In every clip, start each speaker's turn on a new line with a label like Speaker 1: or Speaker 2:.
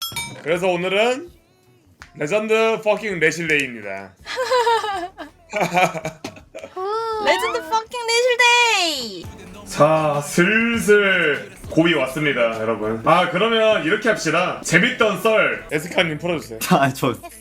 Speaker 1: 그래서 오늘은 레전드 퍼킹 레실데이입니다.
Speaker 2: 레전드 퍼킹 내실데이.
Speaker 1: 자, 슬슬 고비 왔습니다, 여러분. 아, 그러면 이렇게 합시다. 재밌던 썰 에스카님 풀어주세요.
Speaker 3: 아,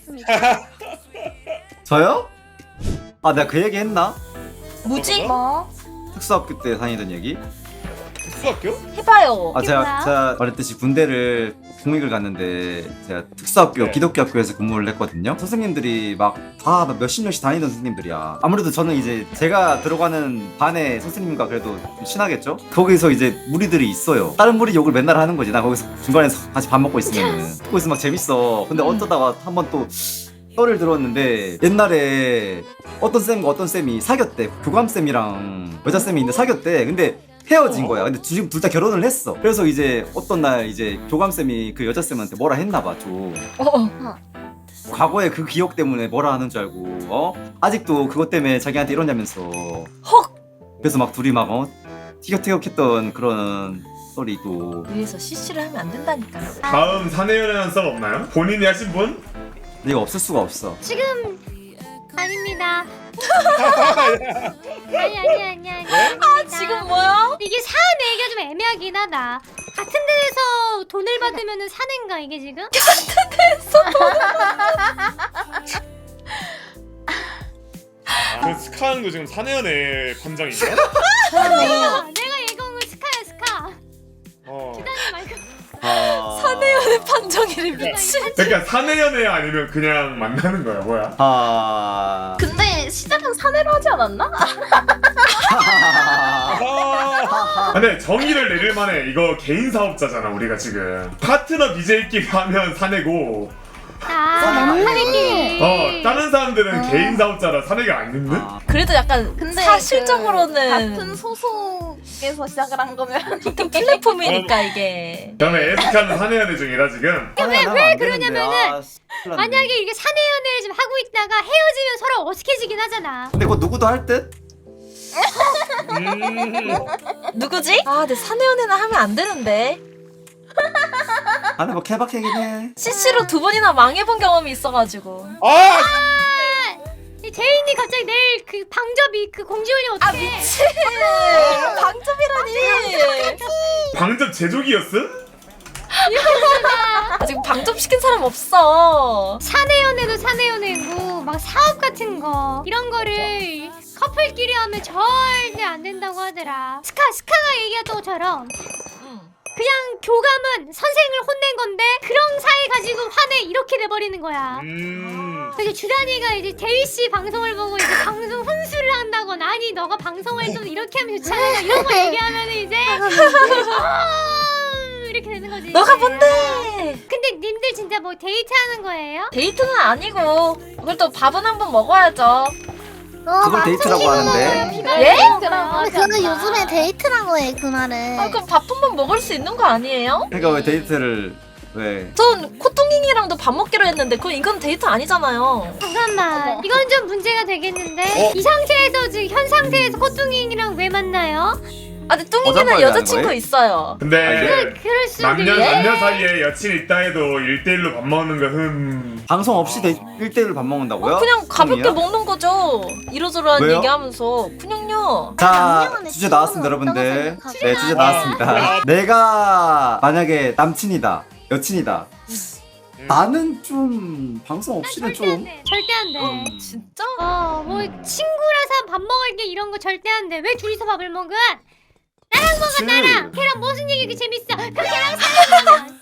Speaker 3: 저요? 아, 내가 그 얘기 했나?
Speaker 2: 뭐지?
Speaker 1: 뭐?
Speaker 3: 특수학교 때 다니던 얘기?
Speaker 1: 특수학교?
Speaker 2: 해봐요.
Speaker 3: 아, 제가 말했듯이 군대를 공익을 갔는데 제가 특수학교
Speaker 1: 네.
Speaker 3: 기독교 학교에서 근무를 했거든요. 선생님들이 막 다 몇십 년씩 다니던 선생님들이야. 아무래도 저는 이제 제가 들어가는 반의 선생님과 그래도 좀 친하겠죠? 거기서 이제 무리들이 있어요. 다른 무리 욕을 맨날 하는 거지. 나 거기서 중간에서 같이 밥 먹고 있으면은 거기서 막 재밌어. 근데 어쩌다가 한번 또 썰을 들었는데 옛날에 어떤 쌤과 어떤 쌤이 사귀었대. 교감쌤이랑 여자쌤이 있는데 사귀었대. 근데 헤어진 거야. 근데 지금 둘 다 결혼을 했어. 그래서 이제 어떤 날 이제 교감쌤이 그 여자쌤한테 뭐라 했나봐 좀. 과거의 그 기억 때문에 뭐라 하는 줄 알고 아직도 그것 때문에 자기한테 이러냐면서
Speaker 2: 헉.
Speaker 3: 그래서 막 둘이 막 티격태격했던 그런 썰이 또.
Speaker 2: 위에서 CC를 하면 안 된다니까.
Speaker 1: 다음 사내연애한 썰 없나요? 본인이 하신 분?
Speaker 3: 이거 없을 수가 없어.
Speaker 4: 지금 아닙니다. 아니.
Speaker 2: 아 지금 뭐야?
Speaker 4: 이게 사내기가 좀 애매하긴 하다. 같은 데에서 돈을 받으면은 사내인가 이게 지금?
Speaker 1: 그 스카는도 지금 사내연애 판정인가?
Speaker 4: 내가 예공은 스카야 스카. 기다려 말고.
Speaker 2: 사내연애 판정이래 미친.
Speaker 1: 그러니까 사내연애 아니면 그냥 만나는 거야, 뭐야?
Speaker 2: 근데 시작은 사내로 하지 않았나?
Speaker 1: 근데 정의를 내릴 만해. 이거 개인 사업자잖아, 우리가 지금. 파트너 BJ끼리 하면 사내고,
Speaker 4: 사내끼리.
Speaker 1: 다른 사람들은 개인 사업자라 사내가 아닌데?
Speaker 2: 그래도 약간
Speaker 5: 근데
Speaker 2: 사실적으로는
Speaker 5: 같은 소속에서 시작을 한 거면
Speaker 2: 같은 플랫폼이니까 이게.
Speaker 1: 그러면 에스카는 사내연애 중이라 지금.
Speaker 4: 왜 그러냐면은 만약에 이게 사내연애를 좀 하고 있다가 헤어지면 서로 어색해지긴 하잖아.
Speaker 3: 근데 그거 누구도 할 듯?
Speaker 2: 누구지? 아 근데 사내연애는 하면 안 되는데.
Speaker 3: 아니 뭐 케바케긴 해.
Speaker 2: CC로 두 번이나 망해본 경험이 있어가지고.
Speaker 1: 아!
Speaker 4: 제인이 갑자기 내일 그 방접이 그 공지훈련
Speaker 2: 아
Speaker 4: 어떡해?
Speaker 2: 미친. 방점이라니.
Speaker 1: 방접 제조기였음?
Speaker 2: 아직 방점시킨 사람 없어.
Speaker 4: 사내연애도 사내연애고 막 사업 같은 거 이런 거를 커플끼리 하면 절대 안 된다고 하더라. 스카가 얘기했던 것처럼 그냥 교감은 선생을 혼낸 건데 그런 사이 가지고 화내 이렇게 돼버리는 거야. 그래서 주단이가 이제 대휘 씨 방송을 보고 이제 방송 훈수를 한다거나 아니 너가 방송을 좀 이렇게 하면 좋지 않을까 이런 거 얘기하면 이제 이렇게 되는 거지.
Speaker 2: 너가
Speaker 4: 이제.
Speaker 2: 뭔데?
Speaker 4: 근데 님들 진짜 뭐 데이트하는 거예요?
Speaker 2: 데이트는 아니고 그래도 밥은 한번 먹어야죠.
Speaker 3: 그걸 데이트라고 하는데.
Speaker 2: 예?
Speaker 5: 근데 그는 요즘에 데이트라고 해 그날은.
Speaker 2: 아 그럼 밥 한 번 먹을 수 있는 거 아니에요?
Speaker 3: 그러니까 왜 데이트를 왜?
Speaker 2: 전 코뚱잉이랑도 밥 먹기로 했는데 그건 이건 데이트 아니잖아요.
Speaker 4: 잠깐만 이건 좀 문제가 되겠는데 이 상태에서 지금 현 상태에서 코뚱이랑 왜 만나요?
Speaker 2: 아 근데 뚱이는
Speaker 3: 어장관리
Speaker 2: 여자친구
Speaker 3: 하는 거예요?
Speaker 2: 있어요.
Speaker 1: 근데
Speaker 4: 그럴 수도
Speaker 1: 남녀 사이에 여친 있다 해도 1대1로 밥 먹는 것은
Speaker 3: 방송 없이 1대1로 밥 먹는다고요?
Speaker 2: 그냥 가볍게
Speaker 3: 똥이야?
Speaker 2: 먹는 거죠. 이러저러한
Speaker 3: 왜요?
Speaker 2: 얘기하면서 그냥요.
Speaker 3: 자,
Speaker 5: 남녀간의
Speaker 3: 주제 나왔습니다,
Speaker 5: 친분은
Speaker 3: 여러분들.
Speaker 5: 없다고
Speaker 3: 네, 주제 나왔습니다. 내가 만약에 남친이다, 여친이다. 나는 좀 방송 없이는
Speaker 4: 절대 안
Speaker 3: 좀.
Speaker 4: 돼. 절대 안 돼.
Speaker 2: 진짜?
Speaker 4: 뭐 친구라서 밥 먹을 게 이런 거 절대 안 돼. 왜 둘이서 밥을 먹어? 나랑 먹어 나랑. 걔랑 무슨 얘기 재밌어? 그럼 걔랑 사귀면.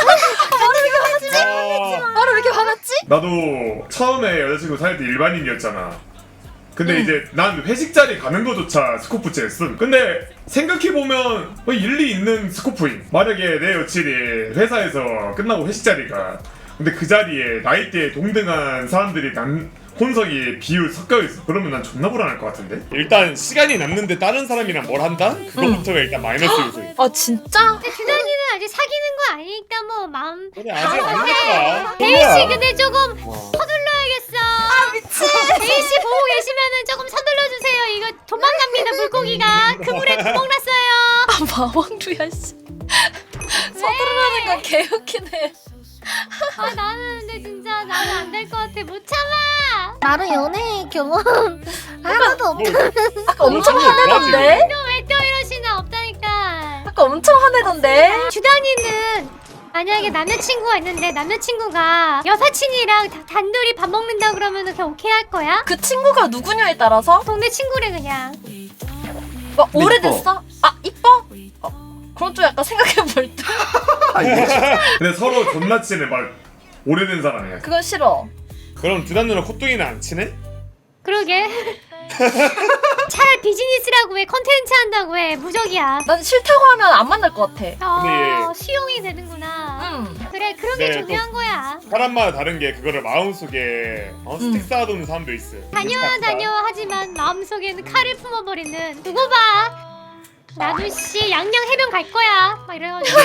Speaker 2: 바로 왜 이렇게 화났지?
Speaker 1: 나도 처음에 여자친구 사귈 때 일반인이었잖아. 근데 이제 난 회식 자리 가는 거조차 스코프제였음. 근데 생각해보면 일리 있는 스코프임. 만약에 내 여친이 회사에서 끝나고 회식 자리가 근데 그 자리에 나이대에 동등한 사람들이 혼석이 비율 섞여 있어. 그러면 난 존나 불안할 것 같은데. 일단 시간이 남는데 다른 사람이랑 뭘 한다? 그거부터가 일단 마이너스 요소야.
Speaker 2: 아 진짜?
Speaker 4: 근데 주단이는 아직 사귀는 거 아니니까 뭐 마음.
Speaker 1: 그래 아직 안 됐다.
Speaker 4: 대희 씨 근데 조금 서둘러야겠어. 아 미친. 대희 씨 보고 계시면은 조금 서둘러 주세요. 이거 도망갑니다 물고기가. 그물에 구멍 났어요.
Speaker 2: 아 마왕루야 씨. 서두르라는 건 개웃기네.
Speaker 4: 아 나는 근데 진짜 나는 안 될 것 같아. 못 참아.
Speaker 5: 나는 연애 경험 하나도 없다.
Speaker 2: 아까 엄청 화내던데?
Speaker 4: 왜 또 이러시나 없다니까.
Speaker 2: 아까 엄청 화내던데?
Speaker 4: 주단이는 만약에 남자친구가 있는데 남자친구가 여사친이랑 단둘이 밥 먹는다 그러면 그냥 오케이 할 거야?
Speaker 2: 그 친구가 누구냐에 따라서
Speaker 4: 동네 친구래 그냥.
Speaker 2: 뭐
Speaker 3: 근데
Speaker 2: 오래됐어? 아 이뻐? 그럼 좀 약간 생각해볼 때
Speaker 1: 근데 서로 존나 친해 막 오래된 사람이야.
Speaker 2: 그건 싫어.
Speaker 1: 그럼 두단 누나 콧등이는 안 친해?
Speaker 4: 그러게. 차라리 비즈니스라고 해. 컨텐츠 한다고 해. 무적이야.
Speaker 2: 난 싫다고 하면 안 만날 것 같아.
Speaker 1: 근데
Speaker 4: 수용이 되는구나.
Speaker 2: 응.
Speaker 4: 그래 그런 게
Speaker 1: 네,
Speaker 4: 중요한 거야.
Speaker 1: 사람마다 다른 게 그거를 마음속에 스틱 쌓아두는 사람도 있어.
Speaker 4: 다녀와 하지만 마음속에는 칼을 품어버리는 두고 봐. 나도 씨 양양 해변 갈 거야. 막 이래가지고.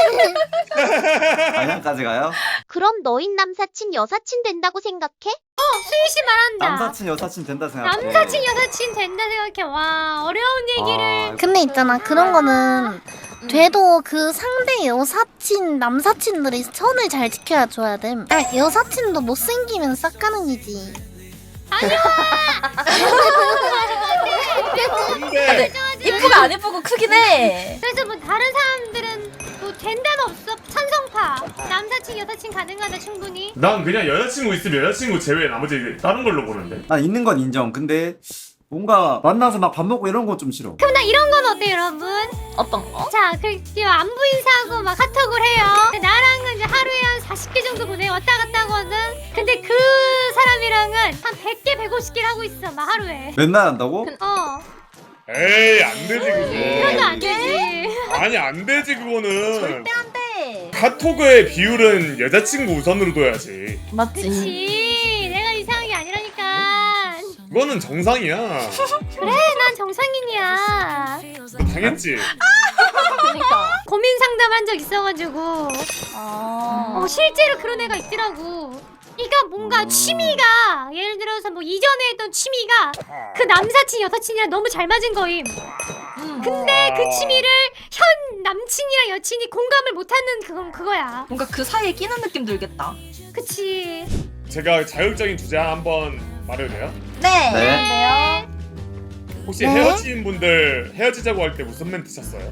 Speaker 3: 안양까지 가요?
Speaker 5: 그럼 너인 남사친 여사친 된다고 생각해?
Speaker 4: 수희 씨 말한다.
Speaker 3: 남사친 여사친 된다 생각해.
Speaker 4: 남사친 여사친 된다 생각해. 와 어려운 얘기를.
Speaker 3: 아,
Speaker 5: 근데 있잖아 그런 거는 돼도 그 상대 여사친 남사친들이 선을 잘 지켜야 줘야 돼. 아, 여사친도 못생기면 싹가능이지.
Speaker 1: 근데
Speaker 2: 이쁘고 안 이쁘고 크긴 해.
Speaker 4: 그래서 뭐 다른 사람들은 뭐 된다는 없어. 찬성파. 남사친 여사친 가능하다 충분히.
Speaker 1: 난 그냥 여자친구 있으면 여자친구 제외 나머지 다른 걸로 보는데.
Speaker 3: 난 있는 건 인정. 근데 뭔가 만나서 막 밥 먹고 이런 거 좀 싫어.
Speaker 4: 그럼 나 이런 건 어때 여러분?
Speaker 2: 어떤 거?
Speaker 4: 자, 그리고 안부 인사하고 막 카톡을 해요. 근데 나랑은 이제 하루에 한 40개 정도 보내 왔다 갔다 하거든. 근데 그 사람이랑은 한 100개, 150개를 하고 있어, 막 하루에.
Speaker 3: 맨날 한다고?
Speaker 1: 에이 안 되지 그거.
Speaker 4: 그러면 안 되지.
Speaker 1: 아니 안 되지 그거는.
Speaker 2: 절대 안 돼.
Speaker 1: 카톡의 비율은 여자친구 우선으로 둬야지.
Speaker 2: 맞지?
Speaker 4: 그치. 내가 이상한 게 아니라니까.
Speaker 1: 그거는 정상이야.
Speaker 4: 그래, 난 정상인이야.
Speaker 1: 당했지.
Speaker 2: 그러니까.
Speaker 4: 고민 상담한 적 있어가지고.
Speaker 2: 아.
Speaker 4: 실제로 그런 애가 있더라고. 그러니까 뭔가 취미가 예를 들어서 뭐 이전에 했던 취미가 그 남사친 여사친이랑 너무 잘 맞은 거임. 근데 그 취미를 현 남친이랑 여친이 공감을 못하는 그거야.
Speaker 2: 뭔가 그 사이에 끼는 느낌 들겠다.
Speaker 4: 그치.
Speaker 1: 제가 자극적인 주제 한번 말해도 돼요?
Speaker 2: 네.
Speaker 3: 네.
Speaker 1: 혹시
Speaker 5: 네?
Speaker 1: 헤어진 분들 헤어지자고 할 때 무슨 멘트 쳤어요?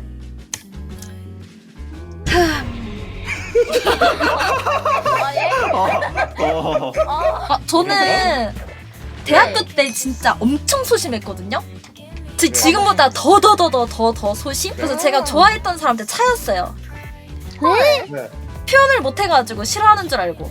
Speaker 2: 저는 대학교 때 진짜 엄청 소심했거든요. 지금보다 더 소심? 그래서 제가 좋아했던 사람한테 차였어요.
Speaker 1: 네.
Speaker 2: 표현을 못 해가지고 싫어하는 줄 알고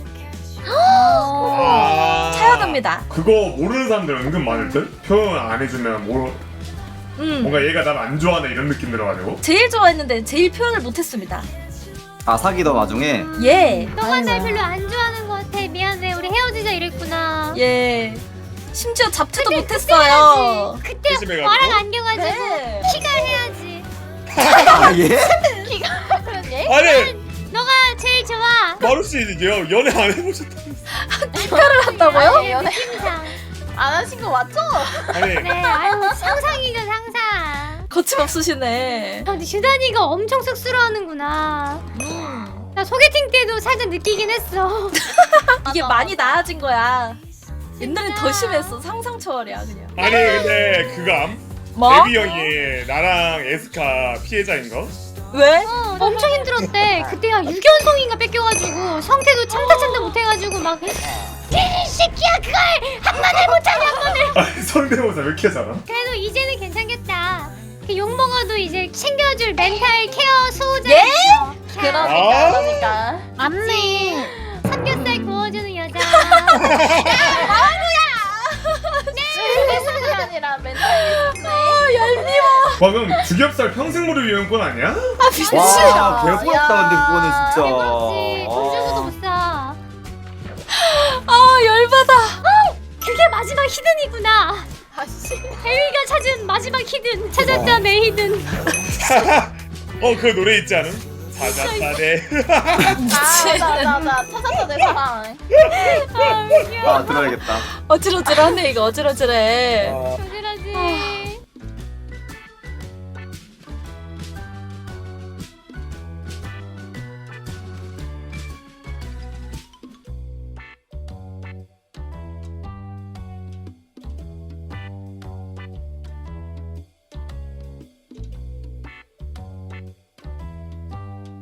Speaker 2: 차야 됩니다.
Speaker 1: 그거 모르는 사람들 은근 많을 듯? 표현 안 해주면 뭔가 얘가 날 안 좋아하네 이런 느낌 들어가지고.
Speaker 2: 제일 좋아했는데 제일 표현을 못했습니다.
Speaker 3: 아 사귀던 와중에
Speaker 2: 예.
Speaker 4: 너가 날 별로 안 좋아하는 것 같아. 미안해. 우리 헤어지자 이랬구나.
Speaker 2: 예. 심지어 잡지도 못했어요.
Speaker 4: 그때
Speaker 1: 조심해가지고.
Speaker 4: 와랑 안겨가지고
Speaker 2: 네.
Speaker 4: 키가 해야지.
Speaker 3: 아 예?
Speaker 1: 아니
Speaker 4: 너가 제일 좋아.
Speaker 1: 마루씨 연애 안 해보셨다면서.
Speaker 2: 투표를 한다고요?
Speaker 4: 느낌상.
Speaker 2: 안 하신 거 맞죠?
Speaker 1: 아니
Speaker 4: 네, 아유 상상이죠 상상.
Speaker 2: 거침없으시네.
Speaker 4: 근데 슈단이가 엄청 쑥스러워하는구나. 나 소개팅 때도 살짝 느끼긴 했어.
Speaker 2: 이게 많이 나아진 거야. 옛날엔 더 심했어. 상상 초월이야 그냥.
Speaker 1: 아니 근데 그거
Speaker 2: 뭐?
Speaker 1: 데뷔 형이 나랑 에스카 피해자인 거?
Speaker 2: 왜?
Speaker 4: 엄청 힘들었대. 그때가 유견성인가 뺏겨가지고 성태도 참다 못해가지고 막 이 새끼야 그걸 한 번을 못하냐 한 번을.
Speaker 1: 아니 성대모사 왜 이렇게 잘하?
Speaker 4: 그래도 이제는 괜찮겠다. 그 욕먹어도 이제 챙겨줄 멘탈 케어 수호자.
Speaker 2: 예?
Speaker 4: 있어.
Speaker 2: 그러니까.
Speaker 5: 맞네.
Speaker 4: 삼겹살 구워주는 여자.
Speaker 2: 아니라 맨날 얄미워.
Speaker 1: 방금 주겹살 평생 무릎 이용권 아니야?
Speaker 2: 아 미친.
Speaker 3: 와 개부럽다 근데 그거는 진짜.
Speaker 4: 그렇지. 돈 주고도 못 사.
Speaker 2: 아 열받아.
Speaker 4: 그게 마지막 히든이구나.
Speaker 2: 아씨.
Speaker 4: 대위가 찾은 마지막 히든. 찾았다 내 히든.
Speaker 1: 그 노래 있지 않음? 사자사대.
Speaker 2: 맞아. 찾았어 내 사랑.
Speaker 4: 아 웃겨.
Speaker 3: 아 들어야겠다.
Speaker 2: 어지러지러하네 이거 어지러지래.
Speaker 4: 그러지.